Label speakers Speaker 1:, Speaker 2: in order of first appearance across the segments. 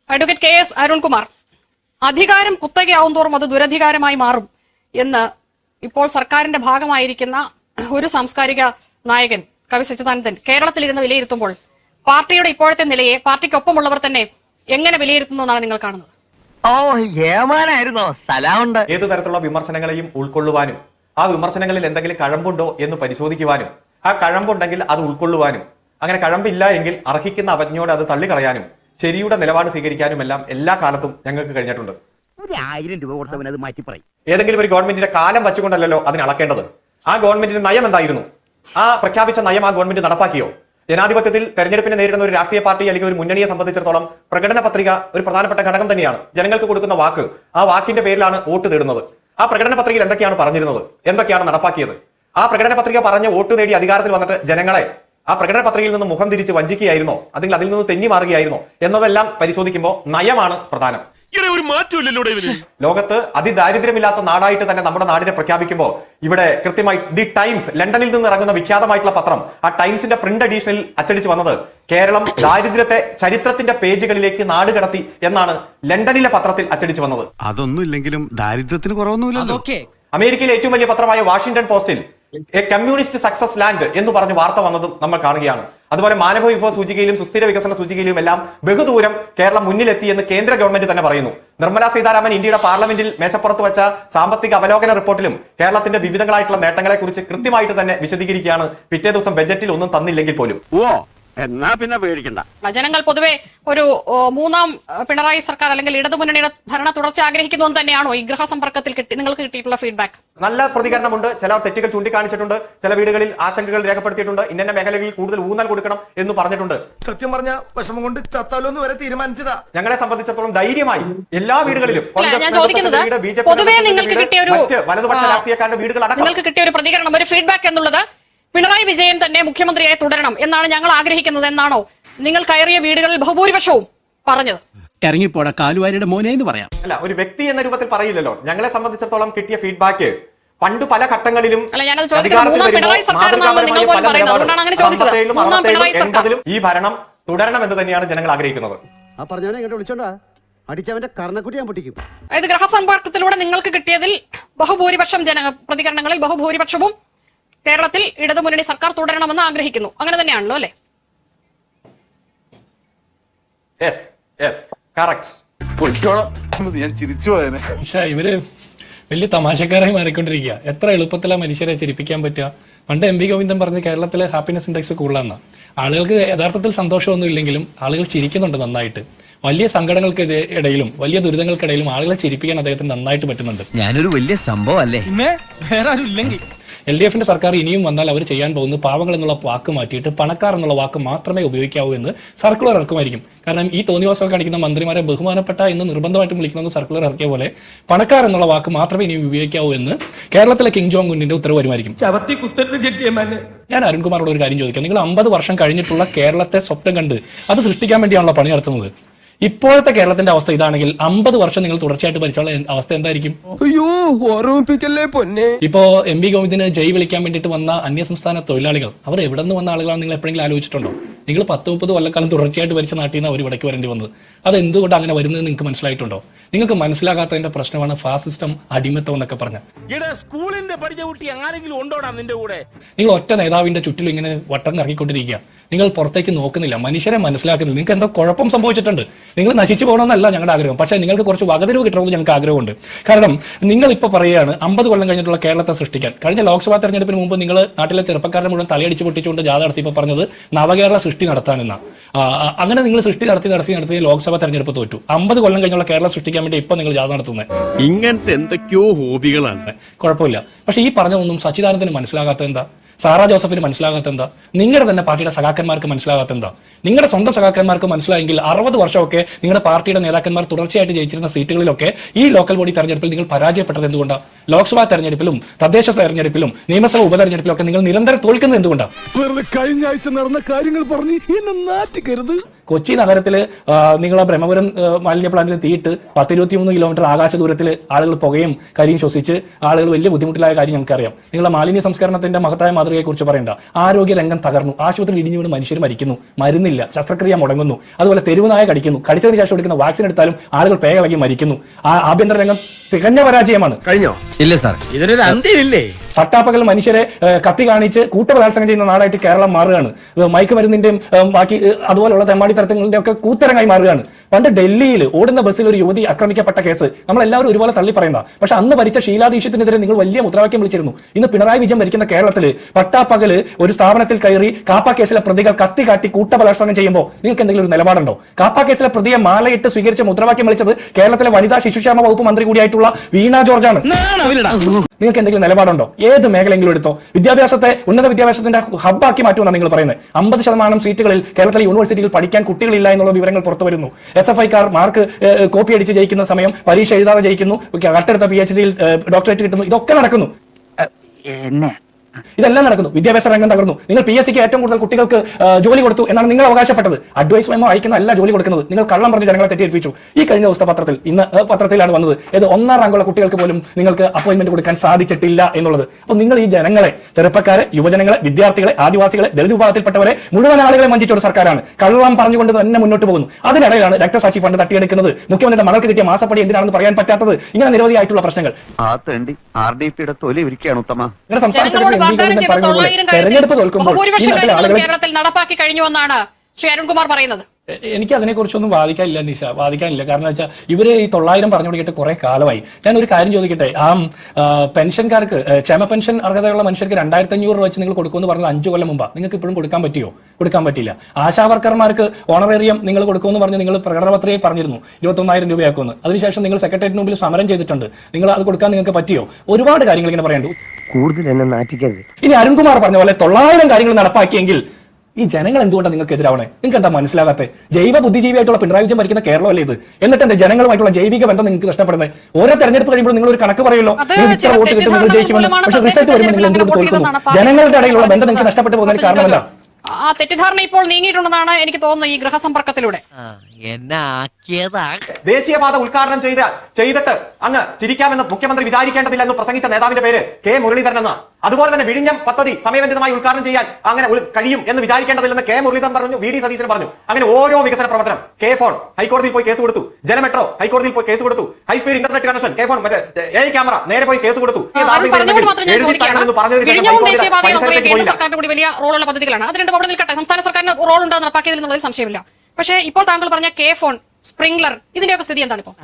Speaker 1: Advocate KS. Arunkumar, അധികാരം കുത്തകയാവും തോറും അത് ദുരധികാരമായി മാറും എന്ന് ഇപ്പോൾ സർക്കാരിന്റെ ഭാഗമായിരിക്കുന്ന ഒരു സാംസ്കാരിക നായകൻ കവി സച്ചിദാനന്ദൻ കേരളത്തിലിരുന്ന് വിലയിരുത്തുമ്പോൾ പാർട്ടിയുടെ ഇപ്പോഴത്തെ നിലയെ പാർട്ടിക്കൊപ്പമുള്ളവർ തന്നെ എങ്ങനെ വിലയിരുത്തുന്നു എന്നാണ് നിങ്ങൾ കാണുന്നത്?
Speaker 2: ഏത് തരത്തിലുള്ള വിമർശനങ്ങളെയും ഉൾക്കൊള്ളുവാനും ആ വിമർശനങ്ങളിൽ എന്തെങ്കിലും കഴമ്പുണ്ടോ എന്ന് പരിശോധിക്കുവാനും ആ കഴമ്പുണ്ടെങ്കിൽ അത് ഉൾക്കൊള്ളുവാനും അങ്ങനെ കഴമ്പില്ല എങ്കിൽ അർഹിക്കുന്ന അവജ്ഞയോടെ അത് തള്ളിക്കളയാനും ശരിയുടെ നിലപാട് സ്വീകരിക്കാനും എല്ലാം എല്ലാ കാലത്തും ഞങ്ങൾക്ക് കഴിഞ്ഞിട്ടുണ്ട്. ഏതെങ്കിലും ഒരു ഗവൺമെന്റിന്റെ കാലം വെച്ചുകൊണ്ടല്ലോ അതിന് അളക്കേണ്ടത്. ആ ഗവൺമെന്റിന്റെ നയം എന്തായിരുന്നു? ആ പ്രഖ്യാപിച്ച നയം ആ ഗവൺമെന്റ് നടപ്പാക്കിയോ? ജനാധിപത്യത്തിൽ തെരഞ്ഞെടുപ്പിനെ നേരിടുന്ന ഒരു രാഷ്ട്രീയ പാർട്ടി അല്ലെങ്കിൽ ഒരു മുന്നണിയെ സംബന്ധിച്ചിടത്തോളം പ്രകടന പത്രിക ഒരു പ്രധാനപ്പെട്ട ഘടകം തന്നെയാണ്. ജനങ്ങൾക്ക് കൊടുക്കുന്ന വാക്ക്, ആ വാക്കിന്റെ പേരിലാണ് വോട്ട് തേടുന്നത്. ആ പ്രകടന പത്രികയിൽ എന്തൊക്കെയാണ് പറഞ്ഞിരുന്നത്, എന്തൊക്കെയാണ് നടപ്പാക്കിയത്? ആ പ്രകടന പത്രിക പറഞ്ഞ് വോട്ട് നേടി അധികാരത്തിൽ വന്നിട്ട് ജനങ്ങളെ ആ പ്രകടന പത്രികയിൽ നിന്ന് മുഖം തിരിച്ച് വഞ്ചിക്കുകയായിരുന്നോ, അല്ലെങ്കിൽ അതിൽ നിന്ന് തെന്നി മാറുകയായിരുന്നോ എന്നതെല്ലാം പരിശോധിക്കുമ്പോൾ നയമാണ് പ്രധാനം. ലോകത്ത് അതിദാരിദ്ര്യമില്ലാത്ത നാടായിട്ട് തന്നെ നമ്മുടെ നാടിനെ പ്രഖ്യാപിക്കുമ്പോൾ ഇവിടെ കൃത്യമായി ദി ടൈംസ്, ലണ്ടനിൽ നിന്ന് ഇറങ്ങുന്ന വിഖ്യാതമായിട്ടുള്ള പത്രം, ആ ടൈംസിന്റെ പ്രിന്റ് എഡീഷനിൽ അച്ചടിച്ച് വന്നത് കേരളം ദാരിദ്ര്യത്തെ ചരിത്രത്തിന്റെ പേജുകളിലേക്ക് നാട് കടത്തി എന്നാണ് ലണ്ടനിലെ പത്രത്തിൽ അച്ചടിച്ച് വന്നത്.
Speaker 3: അതൊന്നും ഇല്ലെങ്കിലും ദാരിദ്ര്യത്തിന് കുറവൊന്നുമില്ലല്ലോ.
Speaker 2: അമേരിക്കയിലെ ഏറ്റവും വലിയ പത്രമായ വാഷിംഗ്ടൺ പോസ്റ്റിൽ എ കമ്മ്യൂണിസ്റ്റ് സക്സസ് ലാൻഡ് എന്ന് പറഞ്ഞ് വാർത്ത വന്നതും നമ്മൾ കാണുകയാണ്. അതുപോലെ മാനവ വിഭവ സൂചികയിലും സുസ്ഥിര വികസന സൂചികയിലും എല്ലാം ബഹുദൂരം കേരളം മുന്നിലെത്തി എന്ന് കേന്ദ്ര ഗവൺമെന്റ് തന്നെ പറയുന്നു. നിർമ്മലാ സീതാരാമൻ ഇന്ത്യയുടെ പാർലമെന്റിൽ മേശപ്പുറത്ത് വെച്ച സാമ്പത്തിക അവലോകന റിപ്പോർട്ടിലും കേരളത്തിന്റെ വിവിധങ്ങളായിട്ടുള്ള നേട്ടങ്ങളെ കുറിച്ച് കൃത്യമായിട്ട് തന്നെ വിശദീകരിക്കുകയാണ്. പിറ്റേ ദിവസം ബജറ്റിൽ ഒന്നും തന്നില്ലെങ്കിൽ പോലും.
Speaker 4: എന്നാ പിന്നെ പേടിക്കണ്ട.
Speaker 1: ജനങ്ങൾ പൊതുവെ ഒരു മൂന്നാം പിണറായി സർക്കാർ അല്ലെങ്കിൽ ഇടതുമുന്നണിയുടെ ഭരണ തുടർച്ച ആഗ്രഹിക്കുന്നു എന്ന് തന്നെയാണോ ഈ ഗൃഹസമ്പർക്കത്തിൽ നിങ്ങൾക്ക് കിട്ടിയിട്ടുള്ള ഫീഡ്ബാക്ക്?
Speaker 2: നല്ല പ്രതികരണമുണ്ട്. ചിലർ തെറ്റുകൾ ചൂണ്ടിക്കാണിച്ചിട്ടുണ്ട്, ചില വീടുകളിൽ ആശങ്കകൾ രേഖപ്പെടുത്തിയിട്ടുണ്ട്, ഇന്ന മേഖലകളിൽ കൂടുതൽ ഊന്നൽ കൊടുക്കണം എന്ന് പറഞ്ഞിട്ടുണ്ട്.
Speaker 5: സത്യം പറഞ്ഞ വിഷമം കൊണ്ട് ചത്താലോന്ന് വരെ തീരുമാനിച്ചതാ.
Speaker 2: ഞങ്ങളെ സംബന്ധിച്ചിടത്തോളം ധൈര്യമായി എല്ലാ വീടുകളിലും വലതുപക്ഷ രാഷ്ട്രീയക്കാരുടെ വീടുകൾ അടക്കം
Speaker 1: നിങ്ങൾക്ക് കിട്ടിയ ഒരു പ്രതികരണം, ഒരു ഫീഡ്ബാക്ക് എന്നുള്ളത് പിണറായി വിജയൻ തന്നെ മുഖ്യമന്ത്രിയായി തുടരണം എന്നാണ് ഞങ്ങൾ ആഗ്രഹിക്കുന്നത് എന്നാണോ നിങ്ങൾ കയറിയ വീടുകളിൽ ബഹുഭൂരിപക്ഷവും പറഞ്ഞത്?
Speaker 6: ഇറങ്ങിപ്പോട കാലുവാരിയുടെ മോനെ എന്ന് പറയാം.
Speaker 2: അല്ല, ഒരു വ്യക്തി എന്ന രൂപത്തിൽ പറയില്ലല്ലോ. ഞങ്ങളെ സംബന്ധിച്ചിടത്തോളം കിട്ടിയ ഫീഡ്ബാക്ക് പണ്ട് പല ഘട്ടങ്ങളിലും ഈ ഭരണം തുടരണം എന്ന് തന്നെയാണ് ജനങ്ങൾ ആഗ്രഹിക്കുന്നത്.
Speaker 1: അതായത് ഗൃഹസമ്പർക്കത്തിലൂടെ നിങ്ങൾക്ക് കിട്ടിയതിൽ ബഹുഭൂരിപക്ഷം പ്രതികരണങ്ങളിൽ ബഹുഭൂരിപക്ഷവും കേരളത്തിൽ ഇടതുമുന്നണി സർക്കാർ തുടരണമെന്ന് ആഗ്രഹിക്കുന്നു. അങ്ങനെ തന്നെയാണല്ലോ അല്ലെ?
Speaker 7: ഇവര് വലിയ തമാശക്കാരായി മാറിക്കൊണ്ടിരിക്കുക. എത്ര എളുപ്പത്തിലാണ് മനുഷ്യരെ ചിരിപ്പിക്കാൻ പറ്റുക. പണ്ട് എം വി ഗോവിന്ദൻ പറഞ്ഞ് കേരളത്തിലെ ഹാപ്പിനെസ് ഇൻഡെക്സ് കൂടുതലാണ്. ആളുകൾക്ക് യഥാർത്ഥത്തിൽ സന്തോഷമൊന്നും ഇല്ലെങ്കിലും ആളുകൾ ചിരിക്കുന്നുണ്ട് നന്നായിട്ട്. വലിയ സങ്കടങ്ങൾക്ക് ഇടയിലും വലിയ ദുരിതങ്ങൾക്കിടയിലും ആളുകളെ ചിരിപ്പിക്കാൻ അദ്ദേഹത്തിന് നന്നായിട്ട് പറ്റുന്നുണ്ട്.
Speaker 6: ഞാനൊരു വലിയ സംഭവം അല്ലേ?
Speaker 7: വേറെ ആരും ഇല്ലെങ്കിൽ LDFന്റെ സർക്കാർ ഇനിയും വന്നാൽ അവർ ചെയ്യാൻ പോകുന്നത് പാവങ്ങൾ എന്നുള്ള വാക്ക് മാറ്റിയിട്ട് പണക്കാർ എന്നുള്ള വാക്ക് മാത്രമേ ഉപയോഗിക്കാവൂ എന്ന് സർക്കുലർ ഇറക്കുമായിരിക്കും. കാരണം ഈ തോന്നിവാസം കാണിക്കുന്ന മന്ത്രിമാരെ ബഹുമാനപ്പെട്ട എന്ന് നിർബന്ധമായിട്ടും വിളിക്കുന്ന സർക്കുലർ ഇറക്കിയ പോലെ പണക്കാർ എന്നുള്ള വാക്ക് മാത്രമേ ഇനിയും ഉപയോഗിക്കാവൂ എന്ന് കേരളത്തിലെ കിങ് ജോങ് ഉന്നിന്റെ ഉത്തരവ് വരുമായിരിക്കും. ഞാൻ അരുൺകുമാറോട് ഒരു കാര്യം ചോദിക്കാം. നിങ്ങൾ 50 വർഷം കഴിഞ്ഞിട്ടുള്ള കേരളത്തെ സ്വപ്നം കണ്ട് അത് സൃഷ്ടിക്കാൻ വേണ്ടിയാണല്ലോ പണി നടത്തുന്നത്. ഇപ്പോഴത്തെ കേരളത്തിന്റെ അവസ്ഥ ഇതാണെങ്കിൽ 50 വർഷം നിങ്ങൾ തുടർച്ചയായിട്ട് ഭരിച്ചുള്ള അവസ്ഥ എന്തായിരിക്കും? ഇപ്പോ എം വി ഗോവിന്ദന് ജയ് വിളിക്കാൻ വേണ്ടിയിട്ട് വന്ന അന്യസംസ്ഥാന തൊഴിലാളികൾ അവർ എവിടെ നിന്ന് വന്ന ആളുകളാണ് നിങ്ങൾ എപ്പോഴെങ്കിലും ആലോചിച്ചിട്ടുണ്ടോ? നിങ്ങൾ 10-30 കൊല്ലക്കാലം തുടർച്ചയായിട്ട് ഭരിച്ച നാട്ടിൽ നിന്ന് അവർ ഇവിടേക്ക് വരേണ്ടി വന്നത്. അത് എന്തുകൊണ്ട് അങ്ങനെ വരുന്നത് നിങ്ങൾക്ക് മനസ്സിലായിട്ടുണ്ടോ? നിങ്ങൾക്ക് മനസ്സിലാകാത്തതിന്റെ പ്രശ്നമാണ് ഫാസിസ്റ്റം, അടിമത്തം എന്നൊക്കെ പറഞ്ഞ. നിങ്ങൾ ഒറ്റ നേതാവിന്റെ ചുറ്റിലും ഇങ്ങനെ വട്ടം ഇറങ്ങിക്കൊണ്ടിരിക്കുക. നിങ്ങൾ പുറത്തേക്ക് നോക്കുന്നില്ല, മനുഷ്യരെ മനസ്സിലാക്കുന്നില്ല. നിങ്ങൾക്ക് എന്തോ കുഴപ്പം സംഭവിച്ചിട്ടുണ്ട്. നിങ്ങൾ നശിച്ചു പോകണമെന്നല്ല ഞങ്ങളുടെ ആഗ്രഹം, പക്ഷേ നിങ്ങൾക്ക് കുറച്ച് വകതിരിവ് കിട്ടണമെന്ന് ഞങ്ങൾക്ക് ആഗ്രഹമുണ്ട്. കാരണം നിങ്ങൾ ഇപ്പൊ പറയുകയാണ് 50 കൊല്ലം കഴിഞ്ഞിട്ടുള്ള കേരളത്തെ സൃഷ്ടിക്കാൻ. കഴിഞ്ഞ ലോക്സഭാ തെരഞ്ഞെടുപ്പിന് മുമ്പ് നിങ്ങൾ നാട്ടിലെ ചെറുപ്പക്കാരെ മുഴുവൻ തലയടിച്ച് പൊട്ടിച്ചുകൊണ്ട് ജാഥ നടത്തിയപ്പോൾ പറഞ്ഞത് നവകേരള സൃഷ്ടി നടത്താനെന്ന. അങ്ങനെ നിങ്ങൾ സൃഷ്ടി നടത്തി ലോക്സഭാ തെരഞ്ഞെടുപ്പ് തോറ്റു. 50 കൊല്ലം കഴിഞ്ഞുള്ള കേരളം സൃഷ്ടിക്കാൻ വേണ്ടി ഇപ്പൊ നിങ്ങൾ ജാഥ നടത്തുന്നത്.
Speaker 4: ഇങ്ങനത്തെ എന്തൊക്കെയോ ഹോബികളാണ്.
Speaker 7: കുഴപ്പമില്ല. പക്ഷെ ഈ പറഞ്ഞതൊന്നും സച്ചിദാനന്ദന് മനസ്സിലാകാത്ത എന്താ? സാറാ ജോസഫിന് മനസ്സിലാകാത്ത എന്താ? നിങ്ങളുടെ തന്നെ പാർട്ടിയുടെ സഖാക്കന്മാർക്ക് മനസ്സിലാകാത്ത എന്താ? നിങ്ങളുടെ സ്വന്തം സഖാക്കന്മാർക്ക് മനസ്സിലായെങ്കിൽ 60 വർഷമൊക്കെ നിങ്ങളുടെ പാർട്ടിയുടെ നേതാക്കന്മാർ തുടർച്ചയായിട്ട് ജയിച്ചിരുന്ന സീറ്റുകളിലൊക്കെ ഈ ലോക്കൽ ബോഡി തെരഞ്ഞെടുപ്പിൽ നിങ്ങൾ പരാജയപ്പെട്ടത് എന്തുകൊണ്ടാണ്? ലോക്സഭാ തെരഞ്ഞെടുപ്പിലും തദ്ദേശ തെരഞ്ഞെടുപ്പിലും നിയമസഭാ ഉപതെരഞ്ഞെടുപ്പിലും ഒക്കെ നിങ്ങൾ നിരന്തരം തോൽക്കുന്നത് എന്തുകൊണ്ടാണ്?
Speaker 5: വെറുതെ കഴിഞ്ഞ ആഴ്ച നടന്ന കാര്യങ്ങൾ പറഞ്ഞ് എന്നെ നാറ്റിക്കരുത്.
Speaker 7: കൊച്ചി നഗരത്തിൽ നിങ്ങളെ ബ്രഹ്മപുരം മാലിന്യ പ്ലാന്റിൽ തീയിട്ട് 10-23 കിലോമീറ്റർ ആകാശ ദൂരത്തിൽ ആളുകൾ പുകയും കരിയും ശ്വസിച്ച് ആളുകൾ വലിയ ബുദ്ധിമുട്ടിലായ കാര്യം നമുക്കറിയാം. നിങ്ങളെ മാലിന്യ സംസ്കരണത്തിന്റെ മഹത്തായ മാതൃകയെ കുറിച്ച് പറയണ്ട. ആരോഗ്യ രംഗം തകർന്നു, ആശുപത്രിയിൽ ഇടിഞ്ഞു വീണ് മനുഷ്യർ മരിക്കുന്നു, മരുന്നില്ല, ശസ്ത്രക്രിയ മുടങ്ങുന്നു, അതുപോലെ തെരുവുനായ കടിക്കുന്നു, കടിച്ചതിന് ശേഷം എടുക്കുന്ന വാക്സിൻ എടുത്താലും ആളുകൾ പേകളകി മരിക്കുന്നു. ആഭ്യന്തര രംഗം തികഞ്ഞ പരാജയമാണ്.
Speaker 4: കഴിഞ്ഞോ?
Speaker 6: ഇല്ല സാർ.
Speaker 4: ഇതിനൊരു അന്ത്യമില്ലേ?
Speaker 7: പട്ടാപ്പകൽ മനുഷ്യരെ കത്തി കാണിച്ച് കൂട്ടബലാത്സംഗം ചെയ്യുന്ന നാടായിട്ട് കേരളം മാറുകയാണ്. മയക്കുമരുന്നിന്റെയും ബാക്കി അതുപോലുള്ള തെമ്മാടി തരത്തിന്റെ ഒക്കെ കൂത്തരങ്ങായി മാറുകയാണ്. പണ്ട് ഡൽഹിയിൽ ഓടുന്ന ബസ്സിൽ ഒരു യുവതി ആക്രമിക്കപ്പെട്ട കേസ് നമ്മളെല്ലാവരും ഒരുപോലെ തള്ളി പറയുന്ന, പക്ഷെ അന്ന് ഭരിച്ച ഷീലാ ദീക്ഷിത്തിനെതിരെ നിങ്ങൾ വലിയ മുദ്രാവാക്യം വിളിച്ചിരുന്നു. ഇന്ന് പിണറായി വിജയൻ ഭരിക്കുന്ന കേരളത്തിൽ പട്ടാപ്പകല് ഒരു സ്ഥാപനത്തിൽ കയറി കാപ്പ കേസിലെ പ്രതികൾ കത്തി കാട്ടി കൂട്ടബലാത്സംഗം ചെയ്യുമ്പോൾ നിങ്ങൾക്ക് എന്തെങ്കിലും ഒരു നിലപാടുണ്ടോ? കാപ്പ കേസിലെ പ്രതിയെ മാലയിട്ട് സ്വീകരിച്ച് മുദ്രാവാക്യം വിളിച്ചത് കേരളത്തിലെ വനിതാ ശിശുക്ഷേമ വകുപ്പ് മന്ത്രി കൂടിയായിട്ടുള്ള വീണ ജോർജാണ്. നിങ്ങൾക്ക് എന്തെങ്കിലും നിലപാടുണ്ടോ? ഏത് മേഖലയെങ്കിലും എടുത്തോ. വിദ്യാഭ്യാസത്തെ ഉന്നത വിദ്യാഭ്യാസത്തിന്റെ ഹബ്ബാക്കി മാറ്റുമെന്നാണ് നിങ്ങൾ പറയുന്നത്. 50% സീറ്റുകളിൽ കേരളത്തിലെ യൂണിവേഴ്സിറ്റിയിൽ പഠിക്കാൻ കുട്ടികളില്ല എന്നുള്ള വിവരങ്ങൾ പുറത്തു വരുന്നു. SFIക്കാർ മാർക്ക് കോപ്പി അടിച്ച് ജയിക്കുന്ന സമയം പരീക്ഷ എഴുതാതെ ജയിക്കുന്നു, കട്ടെടുത്ത PhD-യിൽ ഡോക്ടറേറ്റ് കിട്ടുന്നു. ഇതൊക്കെ നടക്കുന്നു. ഇതെല്ലാം നടക്കുന്നു. വിദ്യാഭ്യാസ രംഗം തകർന്നു. നിങ്ങൾ PSCക്ക് ഏറ്റവും കൂടുതൽ കുട്ടികൾക്ക് ജോലി കൊടുത്തു എന്നാണ് നിങ്ങൾ അവകാശപ്പെട്ടത്. അഡ്വൈസ് മെമ്മോ അയക്കുന്ന അല്ല ജോലി കൊടുക്കുന്നത്. നിങ്ങൾ കള്ളം പറഞ്ഞ് ജനങ്ങളെ തെറ്റിദ്ധരിപ്പിച്ചു. ഈ കഴിഞ്ഞ ദിവസത്തെ പത്രത്തിൽ, ഇന്ന് പത്രത്തിലാണ് വന്നത്, ഏത് 1ാം റാങ്കുള്ള കുട്ടികൾക്ക് പോലും നിങ്ങൾക്ക് അപ്പോയിന്റ്മെന്റ് കൊടുക്കാൻ സാധിച്ചിട്ടില്ല എന്നുള്ളത്. അപ്പോൾ നിങ്ങൾ ഈ ജനങ്ങളെ, ചെറുപ്പക്കാരെ, യുവജനങ്ങളെ, വിദ്യാർത്ഥികളെ, ആദിവാസികളെ, ദളിത് വിഭാഗത്തിൽപ്പെട്ടവരെ മുഴുവൻ ആളുകളെ വഞ്ചിച്ച ഒരു സർക്കാരാണ്. കള്ളം പറഞ്ഞുകൊണ്ട് തന്നെ മുന്നോട്ട് പോകുന്നു. അതിനിടയിലാണ് രക്തസാക്ഷി ഫണ്ട് തട്ടിയെടുക്കുന്നത്, മുഖ്യമന്ത്രിയുടെ മകൾക്ക് കിട്ടിയ മാസപ്പടി എന്തിനാണെന്ന് പറയാൻ പറ്റാത്തത്, ഇങ്ങനെ നിരവധിയായിട്ടുള്ള പ്രശ്നങ്ങൾ. തെരഞ്ഞെടുപ്പ് തോൽക്കുമ്പോൾ
Speaker 1: കേരളത്തിൽ നടപ്പാക്കി കഴിഞ്ഞുവെന്നാണ് ശ്രീ അരുൺകുമാർ പറയുന്നത്.
Speaker 7: എനിക്ക് അതിനെക്കുറിച്ചൊന്നും വാദിക്കാനില്ല നിഷ, വാദിക്കാനില്ല. കാരണം വെച്ചാൽ ഇവര് ഈ 900 പറഞ്ഞു തുടങ്ങിയിട്ട് കുറെ കാലമായി. ഞാൻ ഒരു കാര്യം ചോദിക്കട്ടെ, പെൻഷൻകാർക്ക്, ക്ഷേമ പെൻഷൻ അർഹതയുള്ള മനുഷ്യർക്ക് 2500 രൂപ വെച്ച് നിങ്ങൾ കൊടുക്കുമെന്ന് പറഞ്ഞത് 5 കൊല്ലം മുമ്പാണ്. നിങ്ങൾക്ക് ഇപ്പോഴും കൊടുക്കാൻ പറ്റിയോ? കൊടുക്കാൻ പറ്റില്ല. ആശാവർക്കർമാർക്ക് ഓണറേറിയം നിങ്ങൾ കൊടുക്കുമെന്ന് പറഞ്ഞ് നിങ്ങൾ പ്രകടനപത്രികയിൽ പറഞ്ഞിരുന്നു 21,000 രൂപയാക്കുമെന്ന്. അതിനുശേഷം നിങ്ങൾ സെക്രട്ടേറിയറ്റിന് മുമ്പിൽ സമരം ചെയ്തിട്ടുണ്ട്. നിങ്ങൾ അത് കൊടുക്കാൻ നിങ്ങൾക്ക് പറ്റിയോ? ഒരുപാട് കാര്യങ്ങൾ ഇങ്ങനെ പറയണ്ടു.
Speaker 4: കൂടുതൽ എന്നെ നാറ്റിക്കരുത്.
Speaker 7: ഇനി അരുൺകുമാർ പറഞ്ഞ പോലെ 900 കാര്യങ്ങൾ നടപ്പാക്കിയെങ്കിൽ ഈ ജനങ്ങൾ എന്തുകൊണ്ടാണ് നിങ്ങൾക്ക് എതിരാവണേ? നിങ്ങൾക്ക് എന്താ മനസ്സിലാകാത്തെ? ജൈവ ബുദ്ധിജീവിയായിട്ടുള്ള പിണറായി വിജയൻ ഭരിക്കുന്ന കേരളമല്ലേ ഇത്? എന്നിട്ട് എന്താ ജനങ്ങളുമായിട്ടുള്ള ജൈവിക ബന്ധം നിങ്ങൾക്ക് നഷ്ടപ്പെടുന്നത്? ഓരോ തെരഞ്ഞെടുപ്പ് കഴിയുമ്പോൾ നിങ്ങൾ ഒരു കണക്ക് പറയുമല്ലോ, ഇത്ര വോട്ട് കിട്ടും, നിങ്ങൾ ജയിക്കുമെന്ന്. പക്ഷേ റിസൾട്ട് വരുമ്പോൾ നിങ്ങൾ എന്തുകൊണ്ട് തോൽക്കുന്നു? ജനങ്ങളുടെ ഇടയിലുള്ള ബന്ധം നിങ്ങൾക്ക് നഷ്ടപ്പെട്ടു പോകുന്നതിന് കാരണം എന്താ?
Speaker 1: ആ തെറ്റിദ്ധാരണ ഇപ്പോൾ നീങ്ങിയിട്ടുണ്ടെന്നാണ് എനിക്ക് തോന്നുന്നത് ഈ ഗൃഹസമ്പർക്കത്തിലൂടെ.
Speaker 2: ദേശീയപാത ഉദ്ഘാടനം ചെയ്തിട്ട് അങ്ങ് ചിരിക്കാമെന്ന് മുഖ്യമന്ത്രി വിചാരിക്കേണ്ടതില്ല എന്ന് പ്രസംഗിച്ച നേതാവിന്റെ പേര് കെ മുരളീധരൻ എന്നാണ്. അതുപോലെ തന്നെ വിഴിഞ്ഞം പദ്ധതി സമയബന്ധിതമായി ഉദ്ഘാടനം ചെയ്യാൻ അങ്ങനെ കഴിയും എന്ന് വിചാരിക്കേണ്ടതില്ലെന്ന് കെ മുരളീധരൻ പറഞ്ഞു, VD സതീശൻ പറഞ്ഞു. അങ്ങനെ ഓരോ വികസന പ്രവർത്തനം, കെ ഫോൺ ഹൈക്കോടതിയിൽ പോയി കേസ് കൊടുത്തു, ജനമെട്രോ ഹൈക്കോടതിയിൽ പോയി കേസ് കൊടുത്തു, high speed internet connection, K phone AI camera നേരെ പോയി കേസ് കൊടുത്തു.
Speaker 1: വലിയ റോളുള്ള പദ്ധതികളാണ്. അത് രണ്ടും അവിടെ നിൽക്കട്ടെ, സംസ്ഥാന സർക്കാരിന് റോൾ ഉണ്ടെന്ന് നടപ്പാക്കിയതിൽ എന്നുള്ളതിൽ സംശയമില്ല. പക്ഷേ ഇപ്പോൾ താങ്കൾ പറഞ്ഞ കെ ഫോൺ, സ്പ്രിംഗ്ലർ, ഇതിന്റെയൊക്കെ സ്ഥിതി എന്താണ് ഇപ്പോൾ?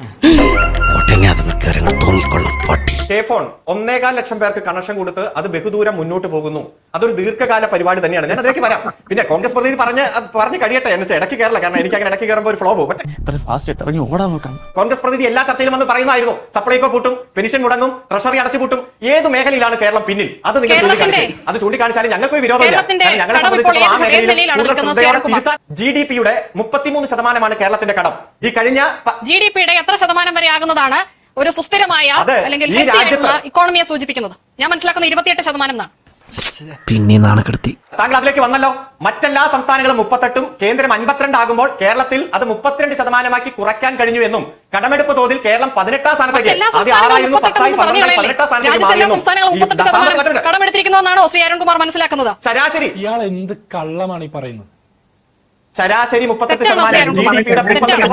Speaker 2: കെ ഫോൺ 1.25 ലക്ഷം പേർക്ക് കണക്ഷൻ കൊടുത്ത് അത് ബഹുദൂരം മുന്നോട്ട് പോകുന്നു. അതൊരു ദീർഘകാല പരിപാടി തന്നെയാണ്. ഞാൻ അതിലേക്ക് വരാം. പിന്നെ കോൺഗ്രസ് പ്രതിനിധി പറഞ്ഞ് കഴിയട്ടെ, എന്നെ ഇടയ്ക്ക് കയറില്ല. കാരണം എനിക്ക് അങ്ങനെ ഇടയ്ക്ക് കയറുമ്പോൾ ഒരു ഫ്ലോ പോകും. കോൺഗ്രസ് പ്രതിനിധി എല്ലാ ചർച്ചയിലും വന്ന് പറയുന്നതായിരുന്നു സപ്ലൈകോ പൂട്ടും, പെൻഷൻ മുടങ്ങും, ട്രഷറി അടച്ചു പൂട്ടും. ഏത് മേഖലയിലാണ് കേരളം പിന്നിൽ? അത് നിങ്ങൾ ചൂണ്ടിക്കാണിച്ചാലും ഞങ്ങൾക്കൊരു വിരോധമില്ല. ഞങ്ങളെ സംബന്ധിച്ചിടത്തോളം ആ മേഖലയിൽ GDP-യുടെ 33% കേരളത്തിന്റെ കടം. ഈ കഴിഞ്ഞ
Speaker 1: GDP-യുടെ എത്ര ശതമാനം വരെ ആകുന്നതാണ് ഒരു സുസ്ഥിരമായ അല്ലെങ്കിൽ ഇക്കോണമിയെ സൂചിപ്പിക്കുന്നത്? ഞാൻ മനസ്സിലാക്കുന്ന 28% എന്നാണ്.
Speaker 6: പിന്നെ നാണക്കെടുത്തി.
Speaker 2: താങ്കൾ അതിലേക്ക് വന്നല്ലോ. മറ്റെല്ലാ സംസ്ഥാനങ്ങളും 38-ഉം കേന്ദ്രം 52 ആകുമ്പോൾ കേരളത്തിൽ അത് 32% കുറയ്ക്കാൻ കഴിഞ്ഞു എന്നും, കടമെടുപ്പ് തോതിൽ കേരളം 18ാം സ്ഥാനത്തേക്ക്, ആദ്യം 6ആയിരുന്നു, 10ആയി, 18ാം സ്ഥാനത്തേക്ക്
Speaker 1: കടമെടുത്തിരിക്കുന്നതെന്നാണോ ശ്രീ അരുൺകുമാർ മനസ്സിലാക്കുന്നത്?
Speaker 2: ശരാശരി
Speaker 7: ഇയാൾ എന്ത് കള്ളമാണ് ഈ പറയുന്നത്?
Speaker 2: ശരാശരി 38%, GDP-യുടെ 32%.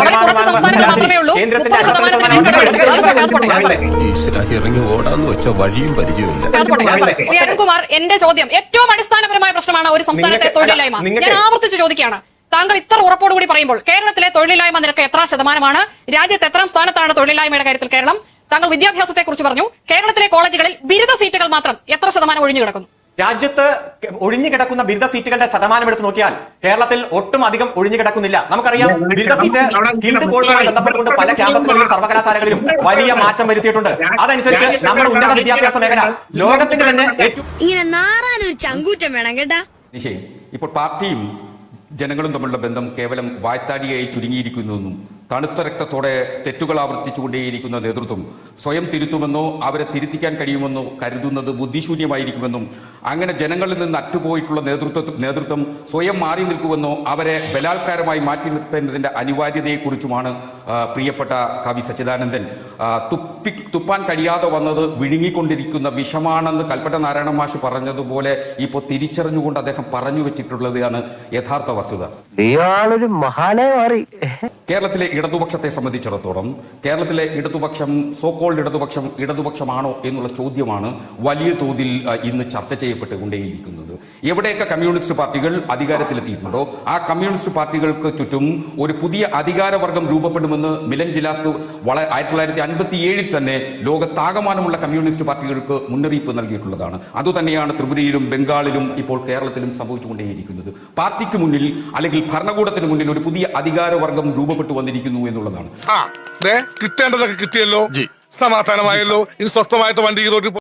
Speaker 3: ഇറങ്ങി ഓടാന്ന് വെച്ച വഴിയും പരിചയമില്ല.
Speaker 1: ശ്രീ അരുൺകുമാർ, എന്റെ ചോദ്യം ഏറ്റവും അടിസ്ഥാനപരമായ പ്രശ്നമാണ് ഒരു സംസ്ഥാനത്തെ തൊഴിലില്ലായ്മ. ഞാൻ ആവർത്തിച്ച് ചോദിക്കുകയാണ്, താങ്കൾ ഇത്ര ഉറപ്പോടുകൂടി പറയുമ്പോൾ കേരളത്തിലെ തൊഴിലില്ലായ്മ നിരക്ക് എത്ര ശതമാനമാണ്? രാജ്യത്ത് എത്രാം സ്ഥാനത്താണ് തൊഴിലില്ലായ്മയുടെ കാര്യത്തിൽ കേരളം? താങ്കൾ വിദ്യാഭ്യാസത്തെ കുറിച്ച് പറഞ്ഞു. കേരളത്തിലെ കോളേജുകളിൽ ബിരുദ സീറ്റുകൾ മാത്രം എത്ര ശതമാനം ഒഴിഞ്ഞു കിടക്കുന്നു?
Speaker 2: രാജ്യത്ത് ഒഴിഞ്ഞു കിടക്കുന്ന ബിരുദ സീറ്റുകളുടെ ശതമാനം എടുത്ത് നോക്കിയാൽ കേരളത്തിൽ ഒട്ടും അധികം ഒഴിഞ്ഞു കിടക്കുന്നില്ല. നമുക്കറിയാം, ബിരുദ സീറ്റ് സ്കിൽഡ് കോഴ്സുമായി ബന്ധപ്പെട്ടുകൊണ്ട് പല ക്യാമ്പസുകളിലും സർവകലാശാലകളിലും വലിയ മാറ്റം വരുത്തിയിട്ടുണ്ട്. അതനുസരിച്ച് നമ്മുടെ ഉന്നത വിദ്യാഭ്യാസ മേഖല ലോകത്തിന്റെ തന്നെ
Speaker 8: ഇങ്ങനെ നാറാനൊരു ചങ്കൂറ്റം വേണം കേട്ടാ.
Speaker 9: ഇപ്പോൾ പാർട്ടിയും ജനങ്ങളും തമ്മിലുള്ള ബന്ധം കേവലം വായ്ത്താടിയായി ചുരുങ്ങിയിരിക്കുന്നുവെന്നും തണുത്ത രക്തത്തോടെ തെറ്റുകൾ ആവർത്തിച്ചുകൊണ്ടേയിരിക്കുന്ന നേതൃത്വം സ്വയം തിരുത്തുമെന്നോ അവരെ തിരുത്തിക്കാൻ കഴിയുമെന്നോ കരുതുന്നത് ബുദ്ധിശൂന്യമായിരിക്കുമെന്നും അങ്ങനെ ജനങ്ങളിൽ നിന്ന് അറ്റുപോയിട്ടുള്ള നേതൃത്വം സ്വയം മാറി നിൽക്കുമെന്നോ അവരെ ബലാത്കാരമായി മാറ്റി നിർത്തേണ്ടതിന്റെ അനിവാര്യതയെക്കുറിച്ചുമാണ് പ്രിയപ്പെട്ട കവി സച്ചിദാനന്ദൻ തുപ്പാൻ കഴിയാതെ വന്നത് വിഴുങ്ങിക്കൊണ്ടിരിക്കുന്ന വിഷമാണെന്ന് കൽപ്പറ്റ നാരായണ മാഷ് പറഞ്ഞതുപോലെ ഇപ്പോൾ തിരിച്ചറിഞ്ഞുകൊണ്ട് അദ്ദേഹം പറഞ്ഞു വെച്ചിട്ടുള്ളതാണ് യഥാർത്ഥ വസ്തുത.
Speaker 4: ഇയാളൊരു മഹാനായി മാറി.
Speaker 9: കേരളത്തിലെ ഇടതുപക്ഷത്തെ സംബന്ധിച്ചിടത്തോളം കേരളത്തിലെ ഇടതുപക്ഷം സോക്കോൾഡ് ഇടതുപക്ഷമാണോ എന്നുള്ള ചോദ്യമാണ് വലിയ തോതിൽ ഇന്ന് ചർച്ച ചെയ്യപ്പെട്ടുകൊണ്ടേയിരിക്കുന്നത്. എവിടെയൊക്കെ കമ്മ്യൂണിസ്റ്റ് പാർട്ടികൾ അധികാരത്തിലെത്തിയിട്ടുണ്ടോ ആ കമ്മ്യൂണിസ്റ്റ് പാർട്ടികൾക്ക് ചുറ്റും ഒരു പുതിയ അധികാരവർഗം രൂപപ്പെടുമെന്ന് മിലൻ ജിലാസ് 1957 തന്നെ ലോകത്താകമാനമുള്ള കമ്മ്യൂണിസ്റ്റ് പാർട്ടികൾക്ക് മുന്നറിയിപ്പ് നൽകിയിട്ടുള്ളതാണ്. അതുതന്നെയാണ് ത്രിപുരയിലും ബംഗാളിലും ഇപ്പോൾ കേരളത്തിലും സംഭവിച്ചുകൊണ്ടേയിരിക്കുന്നത്. പാർട്ടിക്ക് മുന്നിൽ അല്ലെങ്കിൽ ഭരണകൂടത്തിന് മുന്നിൽ ഒരു പുതിയ അധികാരവർഗം രൂപപ്പെട്ടു വന്നിരിക്കുന്നു എന്നുള്ളതാണ്.
Speaker 5: കിട്ടേണ്ടതൊക്കെ കിട്ടിയല്ലോ, സമാധാനമായല്ലോ, ഇനി സ്വസ്ഥമായിട്ട് വണ്ടി